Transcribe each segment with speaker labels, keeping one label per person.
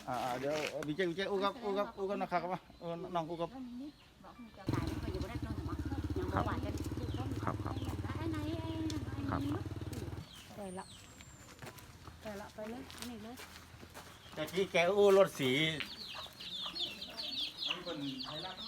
Speaker 1: เดี๋ยววิจัยอู้กับนะครับว่าน้องอู้กับครับครับ
Speaker 2: ไปเลยนี่เลย
Speaker 1: แต่ที่แกอู้รถสีนี่เป็นไทยรัฐ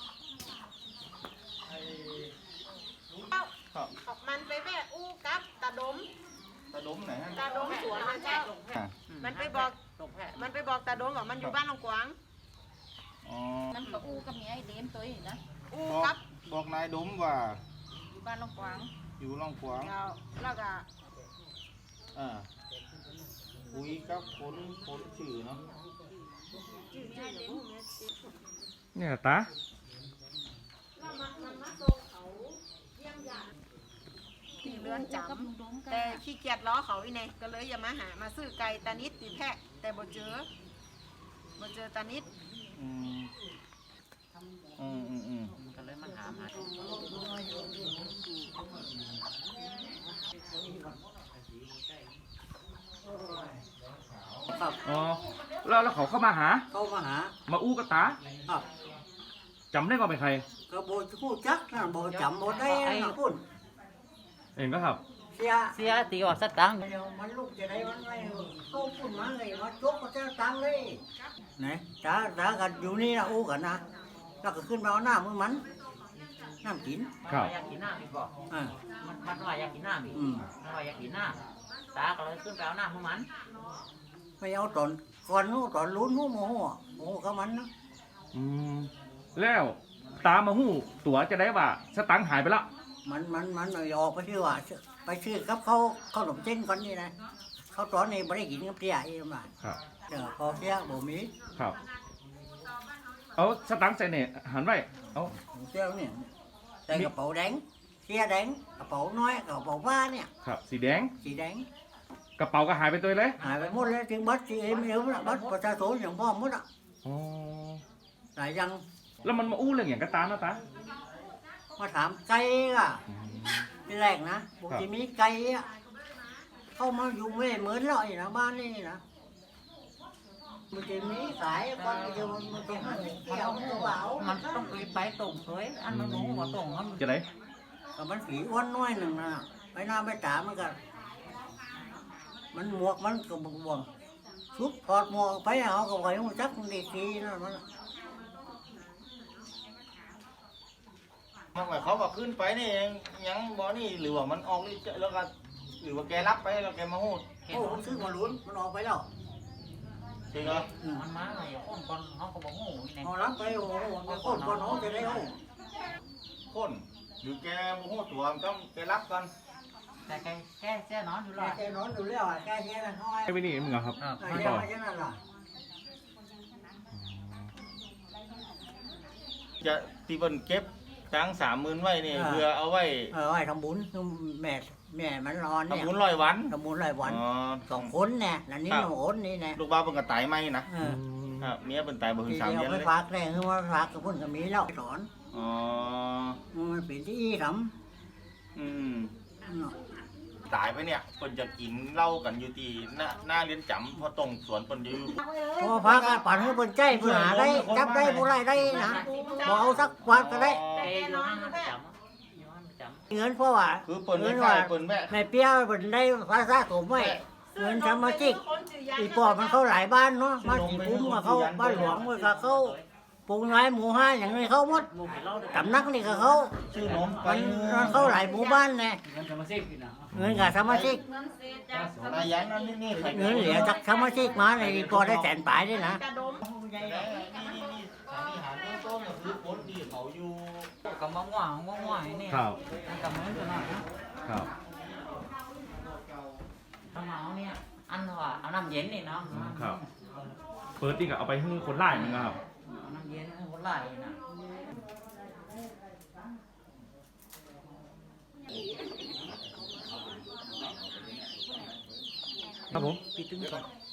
Speaker 3: มันไปแม่อู้กับตาดม
Speaker 1: ตะดมไหนฮะ
Speaker 3: ตาดมสวนนะเจ้ามันไปบอกตาดมว่ามันอยู่บ้านหนองกวาง
Speaker 1: อ๋อ
Speaker 2: นั่นก็อู้กับเมียไอ้เดมตัวนี้นะ
Speaker 3: อู้กับ
Speaker 1: บอกนายดมว่า
Speaker 2: อยู่บ้านลงกวาง
Speaker 1: อยู่ล่องขวาง
Speaker 3: แล้วก็
Speaker 1: คุยกับคนชื่อเนาะเนี่ยตา
Speaker 3: ที่เรือนจำแต่ขี้เกียจล้อเขาอีเนี่ยก็เลยอย่ามาซื้อไก่ตานิดตีแพะแต่บ่เจอตานิด
Speaker 4: ก็เลยมันหามาครับ
Speaker 1: อ๋อแล้วเขาเข้ามาหา มาอู้กับตา
Speaker 4: ครับ
Speaker 1: จำได้ก็เป็นใคร
Speaker 4: ก็โบคู่จักนะโบจำโบได้นะคุณ
Speaker 1: เองก็ครับ
Speaker 4: เสียตีออกสตังค์เดี๋ยวมันลูกจะได้มันไม่เข้าพุ่นมาเลยมาจกก็จะตังค์เลยไหนจ้ากันอยู่นี่นะอู้กันนะแล้วก็ขึ้นมาเอาหน้ามือมันน้ำกิน
Speaker 1: ครับ
Speaker 5: อยากกินน้ำอีกบอก
Speaker 4: อ่า
Speaker 5: มันว่าอยากกินน้ำอีกมันว่าอยากกินน้ำตาก็เลยขึ้นไปเอาน้ำพวกมัน
Speaker 4: ไม่เอาตอนก่อนนู้นตอนลุ้นนู้นโมโหกับมันนะ
Speaker 1: แล้วตามาหู้ตั๋วจะได้ว่าสตังค์หายไปละ
Speaker 4: มันออกไปชื่อว่าไปชื่อกับเขาขนมเส้นก่อนนี่นะเขาตอนนี้ไม่ได้กินกับเตี้ยอีกมา
Speaker 1: ครับ
Speaker 4: เดี๋ยวพอเสียบ่มี
Speaker 1: ครับเอาสตังค์ใส่เนี่ยหันไว้เอา
Speaker 4: เสียเนี่ยใส่กระเป๋าแดงเสียแดงกระเป๋าน้อยกระเป๋าบ้าเนี่ย
Speaker 1: ครับสีแดง
Speaker 4: สีแดง
Speaker 1: กระเป๋าก็หายไปตัวเลย
Speaker 4: หายไปหมดเลยถึงบัตรสีเอ็มละบัตรประชาชนอย่างพ่อหมดอ่ะ
Speaker 1: อ๋อ
Speaker 4: หลายยัง
Speaker 1: แล้วมันมาอู้เรื่องอย่างกระตาเนาะตา
Speaker 4: มาถามไก่อ่ะที่แรกนะปกติมีไก่อ่ะเข้ามาอยู่ไม่เหมือนเราอีกนะบ้านนี่นะมันจะมีขายคนเดียวมันจะหาเกี่ยวมันก็เบา
Speaker 5: มันต้องไปตรงเคยอันมันรู้ว่าตรงมัน
Speaker 1: จะไหน
Speaker 4: ก็มันผีอ้วนน้อยหนึ่งนะไปหน้าไปตามันก็มันหมวกมันก็บวมชุบถอดหมวกไปเอาก็ไว้มันจักมันดีทีนั่นมัน
Speaker 1: มันหมายเขาบอกขึ้นไปนี่ยังบ่นี่หรือว่ามันออกแล้วก็หรือว่าแกรับไปแล้วแกมาหูด
Speaker 4: โอ้ผมซื้อมาลุ้นมันออกไปแล้ว
Speaker 1: จริงเหรอ
Speaker 5: มันมาไงคนคนเขาก็บอกโง่นี่
Speaker 4: เอารับไปโอ้โหมันคนก่อนน้องจะได้โอ้
Speaker 1: คนหรือแกมาหูดตัวมันต้องแกรับกัน
Speaker 5: แต่แค่นอนอยู่หรอ
Speaker 4: แกนอนอยู่แล้วแกแค่นั้นห้อย
Speaker 1: ไอ้ไปนี่มึงเหรอครับ
Speaker 4: แกมาแค่นั้นล่ะ
Speaker 1: จะตีบนเก็บตัง30,000ไว้นี่เพื่อเอาไว้
Speaker 4: ไว้ทำบุญแม่มันนอนเนี่ย
Speaker 1: ทำบุญ100 วัน
Speaker 4: ทำบุญรายวัน
Speaker 1: อ๋อ
Speaker 4: 2 คนเนี่ยนั่นนี่1 คนนี่นะ
Speaker 1: ลูกบ้าเป็นกระต่ายไหมนะครับเมียเป็นตายบ่ถึง3
Speaker 4: เดี
Speaker 1: เดื
Speaker 4: ย
Speaker 1: อ
Speaker 4: วน ไป
Speaker 1: เลย
Speaker 4: ฝากแรงคือว่าฝากกับคนก็มีแล้วสอน
Speaker 1: อ๋อ
Speaker 4: มันเป็นที่ท
Speaker 1: อืม
Speaker 4: ำ
Speaker 1: ตายไปเนี่ยเพิ่นจะกินเหล้ากันอยู่ที่หน้าเรียนจำเพอตรงสวนเพิ่นอยู่
Speaker 4: พอพักปั่นให้เพิ่นใจเพิ่นหาได้จับได้ผู้ไรได้นะบ่เอาสักวันก็ได้
Speaker 5: แกอยู่ห้างประจำ
Speaker 4: เงินเพราะว่า
Speaker 1: คือเพิ่นไม่
Speaker 4: เงิน
Speaker 1: ใช่
Speaker 4: ว่า
Speaker 1: เพิ่นแม่
Speaker 4: แม่เปี้ยเพิ่นได้ภาษาผมไว้เงินสมาชิกอีปอบมันเข้าหลายบ้านเนาะมาสีคุ้มมาเข้าบ้านหลวงมันก็เข้าปูน้อยหมู่ห้าอย่างนี้เข้าหมดตำนักนี่ก็เข้า
Speaker 1: ชื่อนมไป
Speaker 4: มันเข้าหลายหมู่บ้านไงเงินกับสมาชิก
Speaker 1: นายยันนั่นนี่ใคร
Speaker 4: เงินเหลือจากสมาชิกมาในพอได้แสนปลายด้วยนะ
Speaker 1: นี่หาเรื่องต้นก็คือคนที่เขาอยู่
Speaker 5: ก็มาหว่างนี่กับมือกันหน่อยนะครับ ถ้าเมาเนี่ยอันว่าเอาน้ำเย็นนี่เนาะ
Speaker 1: ครับเปิดนี่ก็เอาไปให้คนไล่มึงครับ
Speaker 5: เอาน้ำเย็นให้คนไล่นะ
Speaker 1: ครับผม
Speaker 5: พี่ตึ้งก่อน